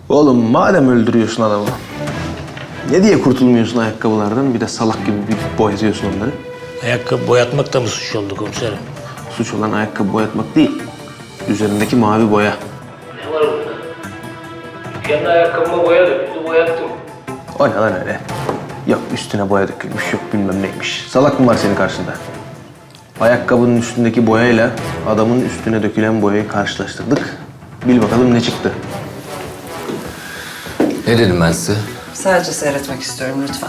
Oğlum madem öldürüyorsun adamı, ne diye kurtulmuyorsun ayakkabılardan? Bir de salak gibi bir boyatıyorsun onları. Ayakkabı boyatmak da mı suç oldu komiserim? Suç olan ayakkabı boyatmak değil, üzerindeki mavi boya. Ne var burada? Kendi ayakkabıma boya döküldü, boyattım. O ne lan öyle? Yok üstüne boya dökülmüş, yok bilmem neymiş. Salak mı var senin karşında? Ayakkabının üstündeki boyayla adamın üstüne dökülen boyayı karşılaştırdık. Bil bakalım ne çıktı? Ne dedim ben size? Sadece seyretmek istiyorum lütfen.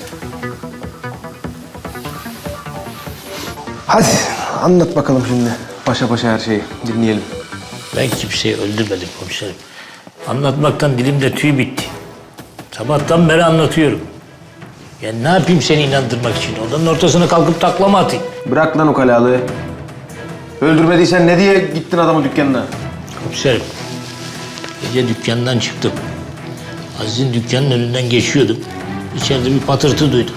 Hadi anlat bakalım şimdi. Paşa paşa her şeyi dinleyelim. Ben kimseyi öldürmedim komiserim. Anlatmaktan dilimde tüy bitti. Sabahtan beri anlatıyorum. Ya ne yapayım seni inandırmak için? Odanın ortasına kalkıp taklama atayım. Bırak lan ukalalığı. Öldürmediysen ne diye gittin adamın dükkanına? Komiserim, gece dükkandan çıktım. Aziz'in dükkanının önünden geçiyordum. İçeride bir patırtı duydum.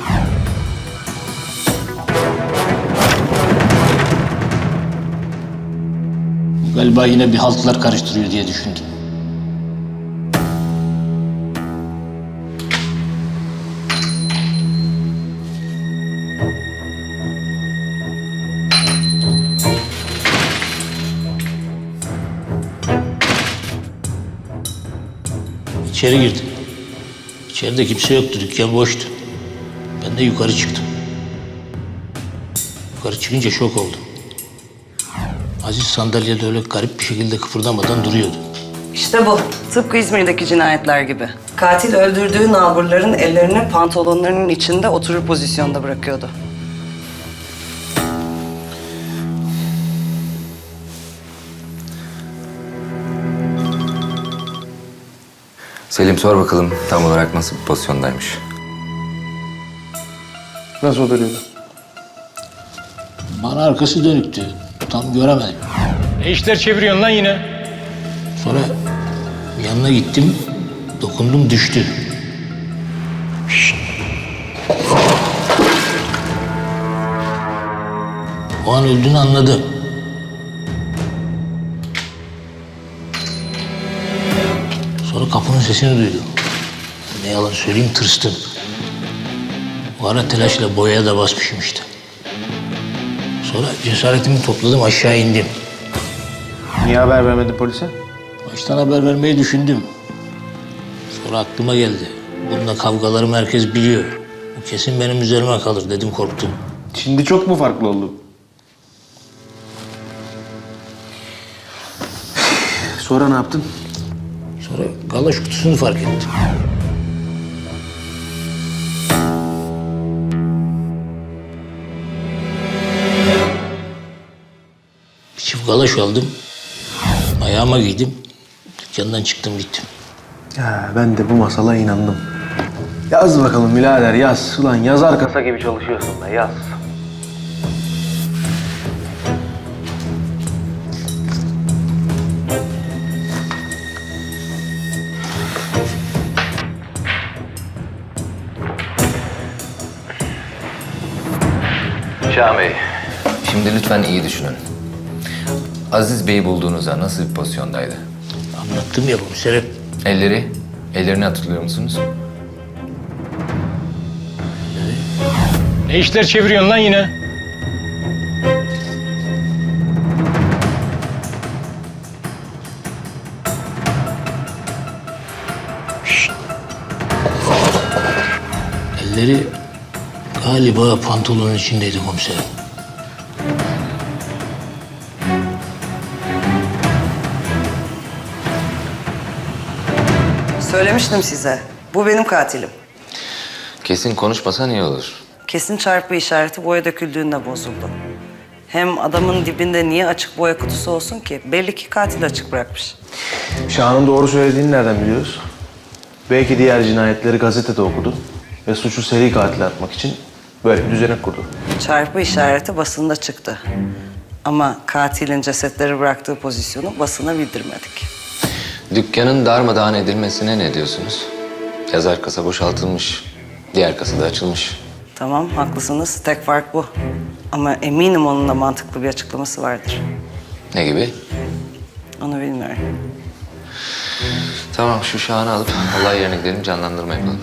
Galiba yine bir haltlar karıştırıyor diye düşündüm. İçeri girdim. İçeride kimse yoktu, dükkan boştu. Ben de yukarı çıktım. Yukarı çıkınca şok oldum. Aziz sandalyede öyle garip bir şekilde kıpırdamadan duruyordu. İşte bu. Tıpkı İzmir'deki cinayetler gibi. Katil öldürdüğü nalburların ellerini pantolonlarının içinde oturur pozisyonda bırakıyordu. Selim sor bakalım tam olarak nasıl bir pozisyondaymış. Nasıl oturuyordu? Bana arkası dönüktü. Tam göremedim. Ne işler çeviriyorsun lan yine? Sonra yanına gittim, dokundum düştü. Şşt! O an öldüğünü anladım. Sonra kapının sesini duydum. Ne yalan söyleyeyim tırstım. O ara telaşla boyaya da basmışım işte. Sonra cesaretimi topladım aşağı indim. Niye haber vermedin polise? Baştan haber vermeyi düşündüm. Sonra aklıma geldi. Bununla kavgalarımı herkes biliyor. Bu kesin benim üzerime kalır dedim korktum. Şimdi çok mu farklı oldu? Sonra ne yaptın? Sonra galoş kutusunu fark ettim. Bir çift galoş aldım. Ayağıma giydim. Dükkandan çıktım gittim. Ya ben de bu masala inandım. Yaz bakalım birader yaz. Ulan yazar kasa gibi çalışıyorsun da yaz. Şahan Bey, şimdi lütfen iyi düşünün. Aziz Bey'i bulduğunuzda nasıl bir pozisyondaydı? Anlattım ya komiserim. Ellerini hatırlıyor musunuz? Ne işler çeviriyorsun lan yine? Elleri galiba pantolonun içindeydi komiserim. Söylemiştim size. Bu benim katilim. Kesin konuşmasan iyi olur. Kesin çarpı işareti boya döküldüğünde bozuldu. Hem adamın dibinde niye açık boya kutusu olsun ki? Belli ki katil açık bırakmış. Şahan'ın doğru söylediğini nereden biliyoruz? Belki diğer cinayetleri gazetede okudu ve suçu seri katile atmak için böyle bir düzenek kurdu. Çarpı işareti basında çıktı. Ama katilin cesetleri bıraktığı pozisyonu basına bildirmedik. Dükkanın darmadağın edilmesine ne diyorsunuz? Yazar kasa boşaltılmış, diğer kasa da açılmış. Tamam, haklısınız. Tek fark bu. Ama eminim onun da mantıklı bir açıklaması vardır. Ne gibi? Onu bilmiyorum. Tamam, şu Şahan'ı alıp olay yerine gidelim, canlandırma yapalım.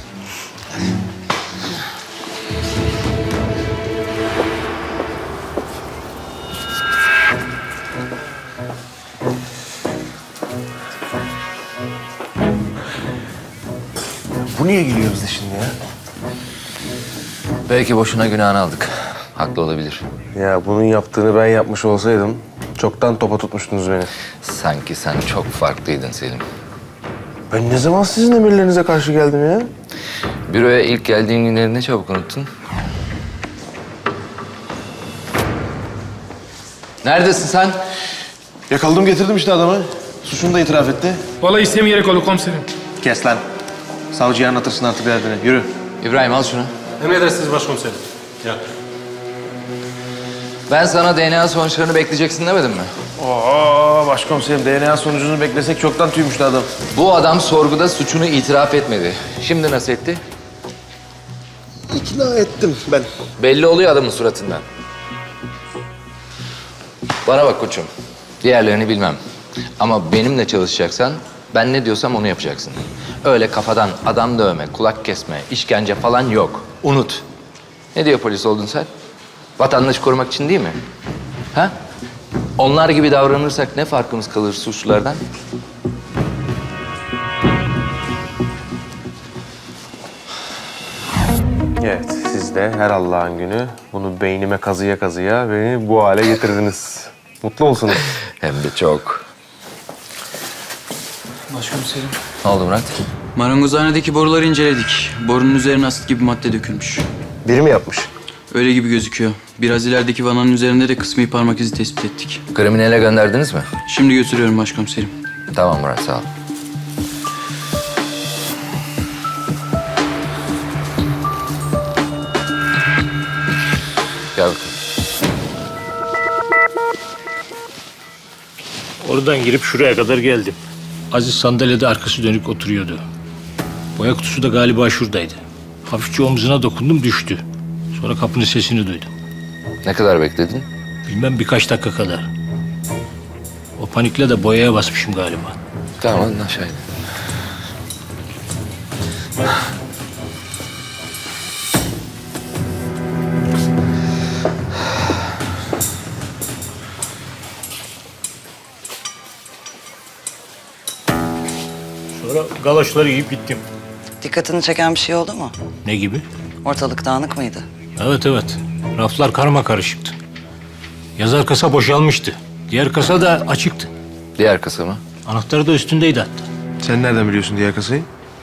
Bu niye gülüyor bize şimdi ya? Belki boşuna günahını aldık. Haklı olabilir. Ya bunun yaptığını ben yapmış olsaydım çoktan topa tutmuştunuz beni. Sanki sen çok farklıydın Selim. Ben ne zaman sizin emirlerinize karşı geldim ya? Büroya ilk geldiğin günleri ne çabuk unuttun. Neredesin sen? Yakaladım getirdim işte adamı. Suçunu da itiraf etti. Vallahi istemeyerek oldu komiserim. Kes lan. Savcıya anlatırsın artık derdini. Yürü. İbrahim al şunu. Emredersiniz başkomiserim. Ya. Ben sana DNA sonuçlarını bekleyeceksin demedim mi? Oo başkomiserim DNA sonucunu beklesek çoktan tüymüştü adam. Bu adam sorguda suçunu itiraf etmedi. Şimdi nasıl etti? İkna ettim ben. Belli oluyor adamın suratından. Bana bak koçum. Diğerlerini bilmem. Ama benimle çalışacaksan ben ne diyorsam onu yapacaksın. Öyle kafadan adam dövme, kulak kesme, işkence falan yok. Unut. Ne diyor polis oldun sen? Vatandaşı korumak için değil mi? Ha? Onlar gibi davranırsak ne farkımız kalır suçlulardan? Evet siz de her Allah'ın günü bunu beynime kazıya kazıya beni bu hale getirdiniz. Mutlu olsunuz. Hem de çok. Başkomiserim. Ne oldu Murat? Marangozhanedeki boruları inceledik. Borunun üzerine asit gibi madde dökülmüş. Biri mi yapmış? Öyle gibi gözüküyor. Biraz ilerideki vananın üzerinde de kısmi parmak izi tespit ettik. Kriminele gönderdiniz mi? Şimdi götürüyorum başkomiserim. Tamam Murat sağ ol. Gel bakalım. Oradan girip şuraya kadar geldim. Aziz sandalyede arkası dönük oturuyordu. Boya kutusu da galiba şuradaydı. Hafifçe omzuna dokundum düştü. Sonra kapının sesini duydum. Ne kadar bekledin? Bilmem birkaç dakika kadar. O panikle de boyaya basmışım galiba. Tamam hadi aşağı in. Sonra galoşları giyip gittim. Dikkatini çeken bir şey oldu mu? Ne gibi? Ortalık dağınık mıydı? Evet. Raflar karma karışıktı. Yazar kasa boşalmıştı. Diğer kasa da açıktı. Diğer kasa mı? Anahtarı da üstündeydi hatta. Sen nereden biliyorsun diğer kasayı?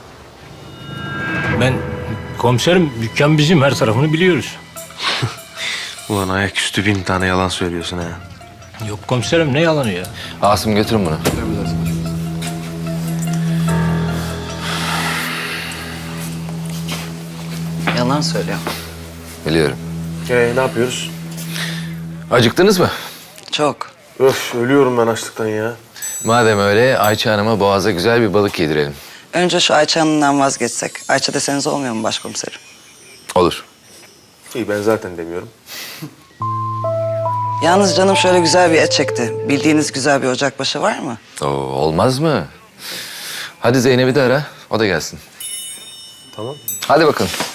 Ben komiserim, dükkan bizim, her tarafını biliyoruz. Ulan ayaküstü 1000 tane yalan söylüyorsun ha. Yok komiserim, ne yalanı ya? Asım götürün bunu. Yalan söylüyor. Biliyorum. Ne yapıyoruz? Acıktınız mı? Çok. Öf ölüyorum ben açlıktan ya. Madem öyle Ayça Hanım'a boğaza güzel bir balık yedirelim. Önce şu Ayça Hanım'dan vazgeçsek. Ayça deseniz olmuyor mu başkomiserim? Olur. İyi ben zaten demiyorum. Yalnız canım şöyle güzel bir et çekti. Bildiğiniz güzel bir ocakbaşı var mı? Oo, olmaz mı? Hadi Zeynep'i de ara, o da gelsin. Tamam. Hadi bakalım.